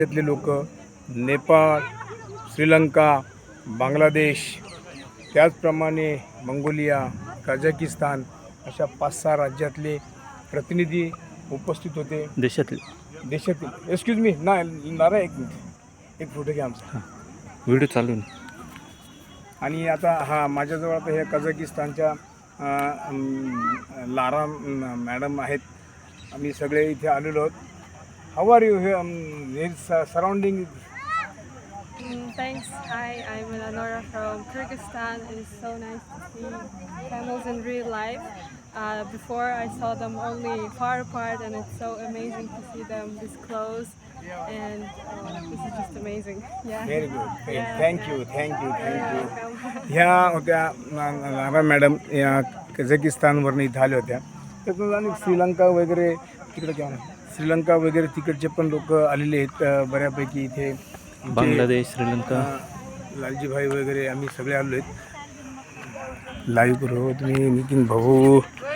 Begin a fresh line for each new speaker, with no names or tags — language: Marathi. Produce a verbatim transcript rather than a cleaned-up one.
त्यातले लोक नेपाळ, श्रीलंका, बांगलादेश, त्याचप्रमाणे मंगोलिया, कझाकिस्तान अशा पाच सहा राज्यातले प्रतिनिधी उपस्थित होते.
देशातले
देशातील एक्सक्यूज मी ना नारा एक मिनिट एक फोटो घ्या आमचा.
व्हिडिओ चालू आहे.
आणि आता हा माझ्याजवळ आता हे कझाकिस्तानच्या लारा मॅडम आहेत. आम्ही सगळे इथे आलेलो आहोत. हाऊ आर यू हे surrounding?
Thanks. Hi, I'm Eleonora from Kyrgyzstan. It is so nice to see camels in real life. Uh, before I saw them only far apart, and it's so amazing to see them this close. And uh, this is just amazing. Yeah.
Very good.
Yeah.
Thank you, thank you, thank you.
Welcome.
ह्या होत्या लारा मॅडम या कझाकिस्तानवरून इथं आल्या होत्या. त्यातून आणि श्रीलंका वगैरे तिकडे घ्या श्रीलंका वगैरे तिकडचे पण लोक आलेले आहेत बऱ्यापैकी इथे.
बांगलादेश, श्रीलंका,
लालजीभाई वगैरे आम्ही सगळे आलो आहेत. लाईव्ह करू तुम्ही नितीन भाऊ.